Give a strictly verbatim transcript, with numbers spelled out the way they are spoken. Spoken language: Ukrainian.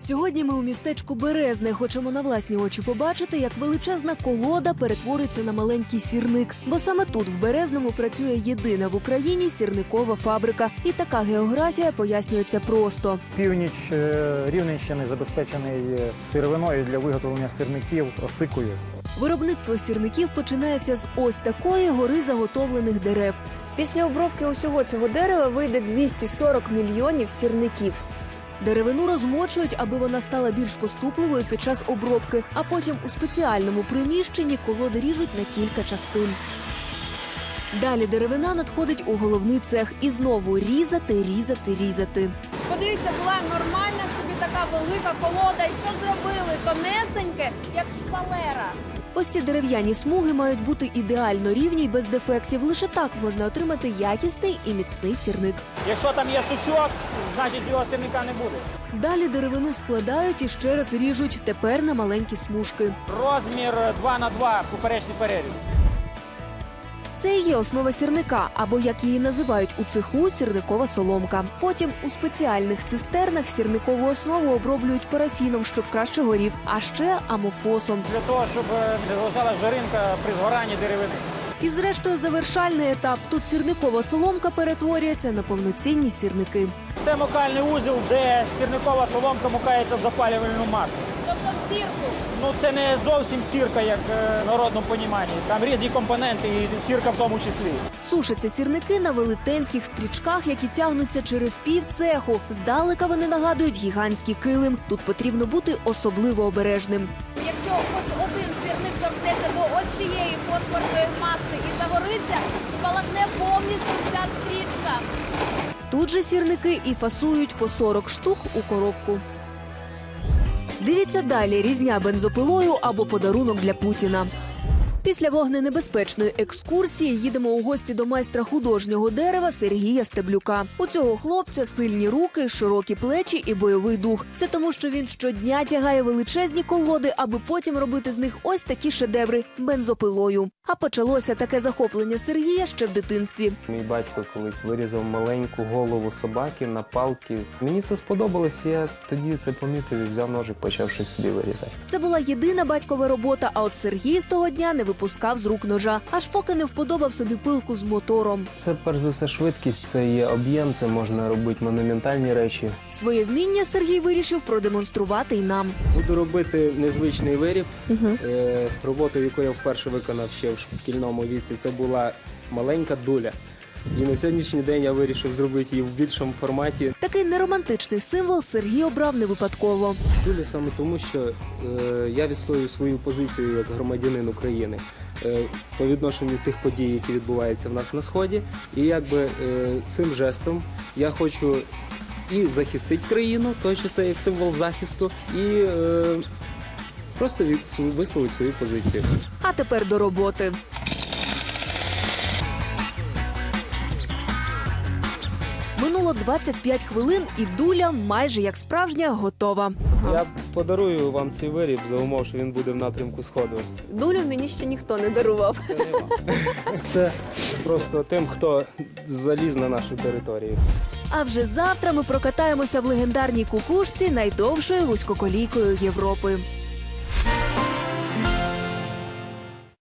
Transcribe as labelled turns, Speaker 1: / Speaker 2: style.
Speaker 1: Сьогодні ми у містечку Березне хочемо на власні очі побачити, як величезна колода перетвориться на маленький сірник. Бо саме тут, в Березному, працює єдина в Україні сірникова фабрика. І така географія пояснюється просто.
Speaker 2: Північ Рівненщини забезпечений сировиною для виготовлення сирників осикою.
Speaker 1: Виробництво сірників починається з ось такої гори заготовлених дерев.
Speaker 3: Після обробки усього цього дерева вийде двісті сорок мільйонів сірників.
Speaker 1: Деревину розмочують, аби вона стала більш поступливою під час обробки, а потім у спеціальному приміщенні колоди ріжуть на кілька частин. Далі деревина надходить у головний цех і знову різати, різати, різати.
Speaker 3: Подивіться, була нормальна собі така велика колода. І що зробили? Тонесеньке, як шпалера.
Speaker 1: Ось ці дерев'яні смуги мають бути ідеально рівні й без дефектів. Лише так можна отримати якісний і міцний сірник.
Speaker 2: Якщо там є сучок, значить його сирника не буде.
Speaker 1: Далі деревину складають і ще раз ріжуть, тепер на маленькі смужки.
Speaker 2: Розмір два на два поперечний переріз.
Speaker 1: Це і є основа сірника, або, як її називають у цеху, сірникова соломка. Потім у спеціальних цистернах сірникову основу оброблюють парафіном, щоб краще горів, а ще амофосом.
Speaker 2: Для того, щоб не залишалась жаринка при згоранні деревини.
Speaker 1: І зрештою завершальний етап. Тут сірникова соломка перетворюється на повноцінні сірники.
Speaker 2: Це мукальний узел, де сірникова соломка мукається в запалювальну масу.
Speaker 3: Тобто в сірку.
Speaker 2: Ну це не зовсім сірка, як в народному поніманні. Там різні компоненти і сірка в тому числі.
Speaker 1: Сушаться сірники на велетенських стрічках, які тягнуться через пів цеху. Здалека вони нагадують гігантський килим. Тут потрібно бути особливо обережним.
Speaker 3: Якщо хоч один сірник торкнеться до ось цієї фосфорної маси і загориться, спалахне повністю вся стрічка.
Speaker 1: Тут же сірники і фасують по сорок штук у коробку. Дивіться далі: різня бензопилою або подарунок для Путіна. Після вогненебезпечної екскурсії їдемо у гості до майстра художнього дерева Сергія Стеблюка. У цього хлопця сильні руки, широкі плечі і бойовий дух. Це тому, що він щодня тягає величезні колоди, аби потім робити з них ось такі шедеври бензопилою. А почалося таке захоплення Сергія ще в дитинстві.
Speaker 4: Мій батько колись вирізав маленьку голову собаки на палки. Мені це сподобалось, я тоді це помітив і взяв ножик, почав щось собі вирізати.
Speaker 1: Це була єдина батькова робота, а от Сергій з того дня не випускав з рук ножа, аж поки не вподобав собі пилку з мотором.
Speaker 4: Це, перш за все, швидкість, це є об'єм, це можна робити монументальні речі.
Speaker 1: Своє вміння Сергій вирішив продемонструвати й нам.
Speaker 5: Буду робити незвичний виріб. Угу. Е, роботу, яку я вперше виконав ще в шкільному віці, це була маленька дуля. І на сьогоднішній день я вирішив зробити її в більшому форматі.
Speaker 1: Такий неромантичний символ Сергій обрав не випадково.
Speaker 5: Дуля саме тому, що е, я відстоюю свою позицію як громадянин України е, по відношенню тих подій, які відбуваються в нас на Сході. І якби е, цим жестом я хочу і захистити країну, тому що це як символ захисту, і е, просто від, висловити свою позицію.
Speaker 1: А тепер до роботи. Минуло двадцять п'ять хвилин, і дуля майже як справжня готова.
Speaker 5: Я подарую вам цей виріб за умов, що він буде в напрямку Сходу.
Speaker 3: Дулю мені ще ніхто не дарував.
Speaker 5: Це не вам. Це просто тим, хто заліз на нашу територію.
Speaker 1: А вже завтра ми прокатаємося в легендарній кукушці найдовшою вузькоколійкою Європи.